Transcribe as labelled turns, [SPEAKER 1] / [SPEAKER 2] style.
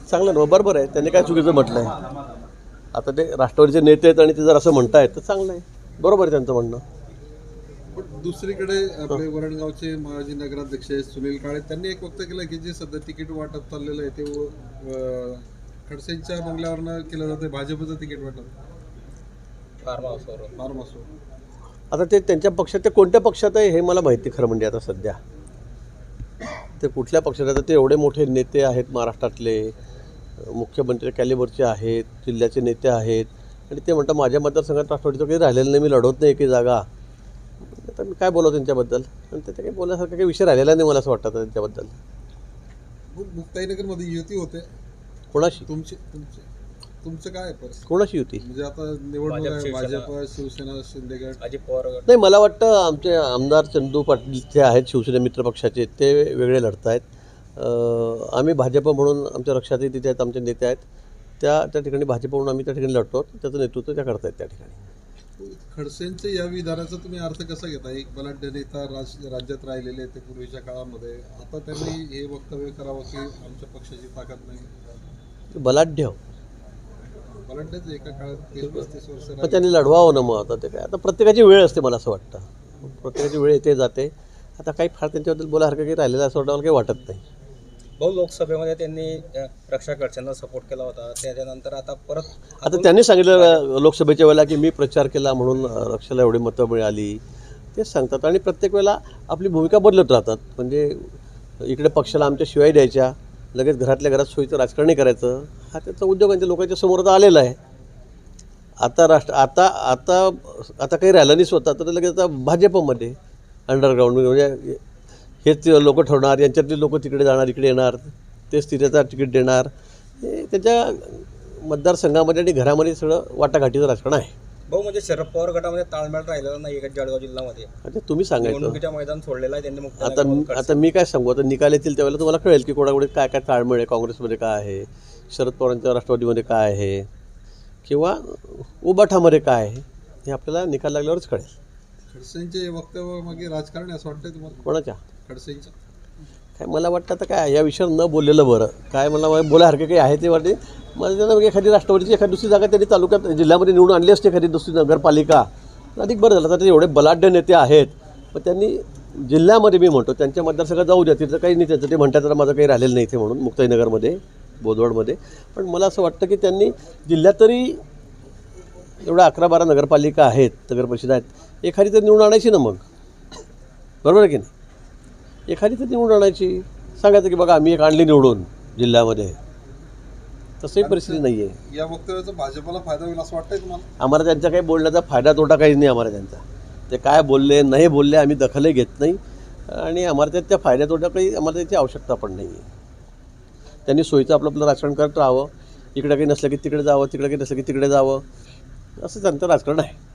[SPEAKER 1] चांगलं ना, बरोबर आहे. त्यांनी काय चुकीचं म्हटलं आहे. आता ते राष्ट्रवादीचे नेते आहेत आणि ते जर असं म्हणतायत तर चांगलं आहे, बरोबर आहे त्यांचं म्हणणं.
[SPEAKER 2] पण दुसरीकडे आपले वरणगावचे माजी नगराध्यक्ष सुनील काळे त्यांनी एक वक्तव्य केलं की जे सध्या तिकीट वाटप चाललेलं आहे ते खडसेंच्या बंगल्यावरनं केलं जातं, भाजपचं तिकीट वाटप फार्म हाऊसवर.
[SPEAKER 1] आता ते त्यांच्या पक्षात, ते कोणत्या पक्षात आहे हे मला माहिती खरं म्हणजे. आता सध्या ते कुठल्या पक्षात आहे, ते एवढे मोठे नेते आहेत महाराष्ट्रातले, मुख्यमंत्री कॅलिबरचे आहेत, जिल्ह्याचे नेते आहेत, आणि ते म्हणतात माझ्या मतदारसंघात राष्ट्रवादीचं काही राहिलेलं नाही, मी लढवत नाही की जागा. आता मी काय बोलावं त्यांच्याबद्दल, आणि ते काही बोलण्यासारखा काही विषय राहिलेला नाही मला असं वाटतं त्यांच्याबद्दल.
[SPEAKER 2] मुक्ताईनगरमध्ये युती होते
[SPEAKER 1] कोणाशी?
[SPEAKER 2] तुमचं काय परिस्थिती?
[SPEAKER 1] कोणाशी युती
[SPEAKER 2] म्हणजे आता निवडणूक आहे, भाजप, शिवसेना, शिंदेगड,
[SPEAKER 3] अजित पवार.
[SPEAKER 1] नाही, मला वाटतं आमचे आमदार चंदू पाटील जे आहेत शिवसेना मित्र पक्षाचे, ते वेगळे लढत आहेत. आम्ही भाजप म्हणून आमच्या रक्षातही तिथे आहेत, आमचे नेते आहेत, त्या ठिकाणी भाजप म्हणून आम्ही त्या ठिकाणी लढतो. त्याचं नेतृत्व त्या करतायत त्या ठिकाणी.
[SPEAKER 2] खडसेंच्या या विधानाचा तुम्ही अर्थ कसा घेता? एक बलाढ्य नेता राज्यात राहिलेले ते पूर्वीच्या काळामध्ये, आता त्यांनी हे वक्तव्य करावं की आमच्या पक्षाची ताकद नाही.
[SPEAKER 1] बलाढ्य
[SPEAKER 2] एका काळात 30-35 वर्ष
[SPEAKER 1] मग त्यांनी लढवावं ना. मग आता ते काय, आता प्रत्येकाची वेळ असते मला असं वाटतं, प्रत्येकाची वेळ येते जाते. आता काही फार त्यांच्याबद्दल बोलासारखं काही राहिलेलं असं वाटतं मला काही वाटत नाही.
[SPEAKER 3] भाऊ, लोकसभेमध्ये त्यांनी रक्षा खडसेंना सपोर्ट केला होता, त्याच्यानंतर आता परत
[SPEAKER 1] आता त्यांनी सांगितलं लोकसभेच्या वेळेला की मी प्रचार केला म्हणून रक्षाला एवढी मतं मिळाली, तेच सांगतात. आणि प्रत्येक वेळेला आपली भूमिका बदलत राहतात. म्हणजे इकडे पक्षाला आमच्या शिवाय द्यायच्या, लगेच घरातल्या घरात सोयीचं राजकारणही करायचं, हा त्याचा उद्योगांच्या लोकांच्या समोर तर आलेला आहे. आता आता काही राहिलं नाही स्वतः, तर लगेच आता भाजपमध्ये अंडरग्राऊंड, म्हणजे हेच लोक ठरवणार, यांच्यातली लोक तिकडे जाणार, इकडे येणार, तेच तिथेचा तिकीट देणार. हे त्याच्या मतदारसंघामध्ये आणि घरामध्ये सगळं वाटाघाटीचं राजकारण आहे.
[SPEAKER 3] भाऊ, म्हणजे शरद पवार गटामध्ये ताळमेळ राहिलेला नाही जळगाव जिल्ह्यामध्ये.
[SPEAKER 1] आता तुम्ही सांगायचं,
[SPEAKER 3] निवडणुकीच्या मैदान सोडलेलं आहे त्यांनी.
[SPEAKER 1] आता मी काय सांगू, आता निकाल येतील त्यावेळेला तुम्हाला कळेल की कोणाकडे काय काय ताळमेळ आहे, काँग्रेसमध्ये काय आहे, शरद पवारांच्या राष्ट्रवादीमध्ये काय आहे, किंवा उबाठामध्ये काय आहे, हे आपल्याला निकाल लागल्यावरच कळेल.
[SPEAKER 2] खडसेंचे वक्तव्य मागे राजकारण असं वाटतंय तुम्हाला?
[SPEAKER 1] कोणाच्या?
[SPEAKER 2] खडसेंच्या.
[SPEAKER 1] काय मला वाटतं आता काय या विषयावर न बोललेलं बरं. काय मला बोलासारखे काही आहे ते वाटते मला. त्यांना एखादी राष्ट्रवादीची एखादी दुसरी जागा त्यांनी तालुक्यात जिल्ह्यामध्ये निवडून आणली असते, एखादी दुसरी नगरपालिका, अधिक बरं झालं. तर एवढे बलाढ्य नेते आहेत, पण त्यांनी जिल्ह्यामध्ये, मी म्हणतो त्यांच्या मतदारसंघात जाऊ द्या, तिथं काही नाही त्याचं. ते म्हणतात तर माझं काही राहिलेलं नाही इथे म्हणून, मुक्ताईनगरमध्ये, बोदवडमध्ये. पण मला असं वाटतं की त्यांनी जिल्ह्यात तरी एवढ्या 11-12 नगरपालिका आहेत, नगरपरिषद आहेत, एखादी तर निवडून आणायची ना मग, बरोबर आहे की नाही? एखादी तर निवडून आणायची, सांगायचं की बघा आम्ही एक आणली निवडून जिल्ह्यामध्ये. तसंही परिस्थिती नाही आहे.
[SPEAKER 2] या वक्तव्याचा भाजपला फायदा होईल असं वाटतंय तुम्हाला?
[SPEAKER 1] आम्हाला त्यांचा काही बोलण्याचा फायदा तोटा काहीच नाही आम्हाला त्यांचा. ते काय बोलले नाही बोलले आम्ही दखलही घेत नाही, आणि आम्हाला त्या फायद्या तोटा काही आम्हाला त्याची आवश्यकता पण नाही आहे. त्यांनी सोयीचं आपलं राजकारण करत राहावं, इकडे काही नसलं की तिकडे जावं, तिकडे काही नसलं की तिकडे जावं, असं त्यांचं राजकारण आहे.